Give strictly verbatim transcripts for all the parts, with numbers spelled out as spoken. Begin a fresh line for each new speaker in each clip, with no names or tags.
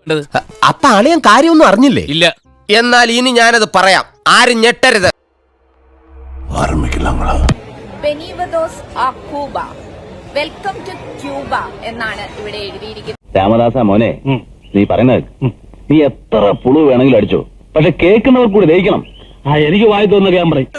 അപ്പൊ അളിയൻ കാര്യമൊന്നും അറിഞ്ഞില്ലേ?
ഇല്ല.
എന്നാൽ ഇനി ഞാനത് പറയാം, ആരും ഞെട്ടരുത്.
വെൽക്കം ടു ക്യൂബ എന്നാണ് ഇവിടെ എഴുതിയിരിക്കുന്നത്.
രാമദാസ മോനെ, നീ പറയുന്നത് നീ എത്ര പുളു വേണമെങ്കിലും അടിച്ചോ, പക്ഷെ കേൾക്കുന്നവർ കൂടി ദഹിക്കണം. ആ എനിക്ക് വായി തോന്നുന്ന ഞാൻ പറയും.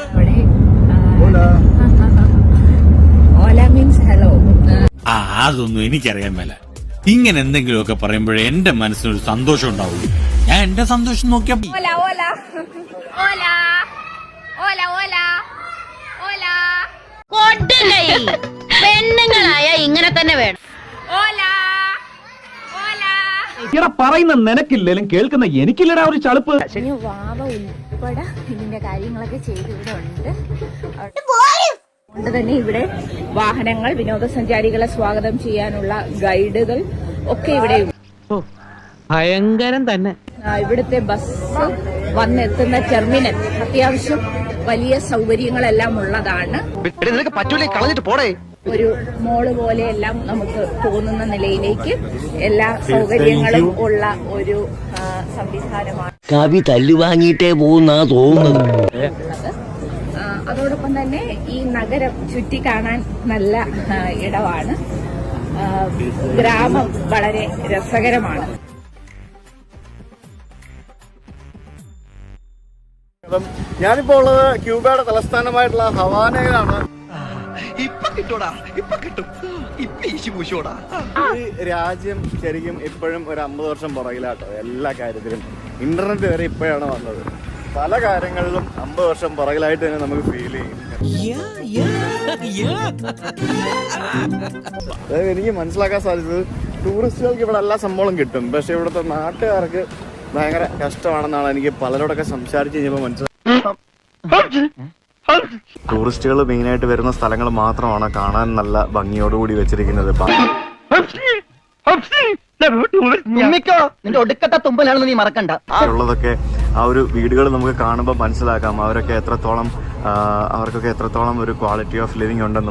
ഓല മീൻസ് ഹലോ.
ആ അതൊന്നും എനിക്കറിയാൻ മേല. ഇങ്ങനെ എന്തെങ്കിലുമൊക്കെ പറയുമ്പോഴേ എന്റെ മനസ്സിനൊരു സന്തോഷം ഉണ്ടാവുള്ളൂ. ഞാൻ എന്റെ സന്തോഷം നോക്കിയാ
ഓല ഓല ഓല ഓല ഓല ഓല
കൊടുകൈ പെണ്ണുങ്ങളായ ഇങ്ങനെ തന്നെ വേണം.
ഓല ഓല
ഇവിടെ പറയുന്ന നിനക്കില്ലേലും കേൾക്കുന്ന എനിക്കില്ലടാ ഒരു ചളുപ്പ്.
വാവ ഉൾപ്പെടെ ഇതിന്റെ കാര്യങ്ങളൊക്കെ ചെയ്ത് ഇവിടെ ഉണ്ട്. അതുകൊണ്ട് തന്നെ ഇവിടെ വാഹനങ്ങൾ, വിനോദസഞ്ചാരികളെ സ്വാഗതം ചെയ്യാനുള്ള ഗൈഡുകൾ ഒക്കെ ഇവിടെയുണ്ട്.
ഭയങ്കരം തന്നെ.
ഇവിടുത്തെ ബസ് വന്നെത്തുന്ന ടെർമിനൽ അത്യാവശ്യം വലിയ സൗകര്യങ്ങളെല്ലാം ഉള്ളതാണ്. ഒരു മോള് പോലെയെല്ലാം നമുക്ക് തോന്നുന്ന നിലയിലേക്ക് എല്ലാ സൗകര്യങ്ങളും ഉള്ള ഒരു സംവിധാനമാണ്.
കവി തല്ലു വാങ്ങിയിട്ടേ പോകുന്നാ തോന്നുന്നത്.
അതോടൊപ്പം തന്നെ ഈ നഗരം ചുറ്റി കാണാൻ നല്ല ഇടമാണ്. ഗ്രാമം വളരെ രസകരമാണ്.
ഞാനിപ്പോ ഉള്ളത് ക്യൂബയുടെ തലസ്ഥാനമായിട്ടുള്ള ഹവാനയിലാണ്. ഈ രാജ്യം ശരിക്കും ഇപ്പോഴും ഒരു അമ്പത് വർഷം പുറകിലാട്ടോ എല്ലാ കാര്യത്തിലും. ഇന്റർനെറ്റ് വരെ ഇപ്പോഴാണ് വന്നത്. പല കാര്യങ്ങളിലും അമ്പത് വർഷം പുറകിലായിട്ട് തന്നെ നമുക്ക് ഫീൽ ചെയ്യും. അതായത് എനിക്ക് മനസ്സിലാക്കാൻ സാധിച്ചത് ടൂറിസ്റ്റുകൾക്ക് ഇവിടെ എല്ലാ സംഭവങ്ങളും കിട്ടും, പക്ഷെ ഇവിടുത്തെ നാട്ടുകാർക്ക് ഭയങ്കര കഷ്ടമാണെന്നാണ് എനിക്ക് പലരോടൊക്കെ സംസാരിച്ച് കഴിഞ്ഞപ്പോൾ മനസ്സിലായത്. ടൂറിസ്റ്റുകൾ മെയിനായിട്ട് വരുന്ന സ്ഥലങ്ങൾ മാത്രമാണ് കാണാൻ നല്ല ഭംഗിയോടുകൂടി വെച്ചിരിക്കുന്നത്. ഉള്ളതൊക്കെ ആ ഒരു വീടുകൾ നമുക്ക് കാണുമ്പോൾ മനസ്സിലാക്കാം അവരൊക്കെ എത്രത്തോളം അവർക്കൊക്കെ എത്രത്തോളം ഒരു ക്വാളിറ്റി ഓഫ് ലിവിംഗ് ഉണ്ടെന്ന്.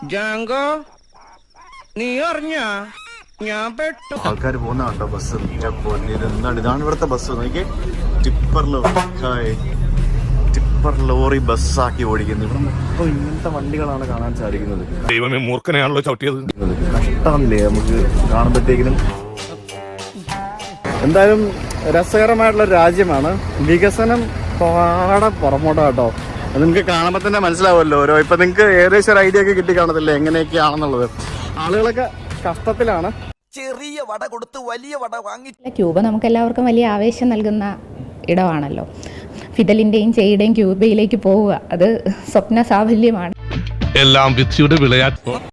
ആൾക്കാർ പോകുന്ന കണ്ടോ ബസ്? എന്താണ് ഇതാണ് ഇവിടുത്തെ ബസ് നോക്കി. ടിപ്പർ ടിപ്പർ ലോറി ബസ്സാക്കി ഓടിക്കുന്നത്. ഇവിടെ മൊത്തം ഇങ്ങനത്തെ വണ്ടികളാണ് കാണാൻ സാധിക്കുന്നത്.
ദൈവമേ, മൂർഖനെയാണല്ലോ ചവിട്ടിയത്.
കഷ്ടമല്ലേ നമുക്ക് കാണുമ്പോഴത്തേക്കിനും. എന്തായാലും രസകരമായിട്ടുള്ള രാജ്യമാണ്. വികസനം പാടെ പുറമോട്ടോ കേട്ടോ. അത് നിങ്ങൾക്ക് കാണുമ്പോൾ തന്നെ മനസ്സിലാവുമല്ലോ. ഓരോ ഇപ്പൊ നിങ്ങൾക്ക് ഏകദേശം ഒരു ഐഡിയ ഒക്കെ കിട്ടി കാണത്തില്ലേ എങ്ങനെയൊക്കെയാണെന്നുള്ളത്. ആളുകളൊക്കെ കഷ്ടത്തിലാണ്.
ചെറിയ വട കൊടുത്ത് വലിയ വട വാങ്ങി.
ക്യൂബ നമുക്ക് എല്ലാവർക്കും വലിയ ആവേശം നൽകുന്ന ഇടമാണല്ലോ. ഫിദലിന്റെയും ചെയ്യുടെയും ക്യൂബയിലേക്ക് പോവുക അത് സ്വപ്ന സാഫല്യമാണ്.
എല്ലാം വിധിയുടെ വിളയാട്ട്.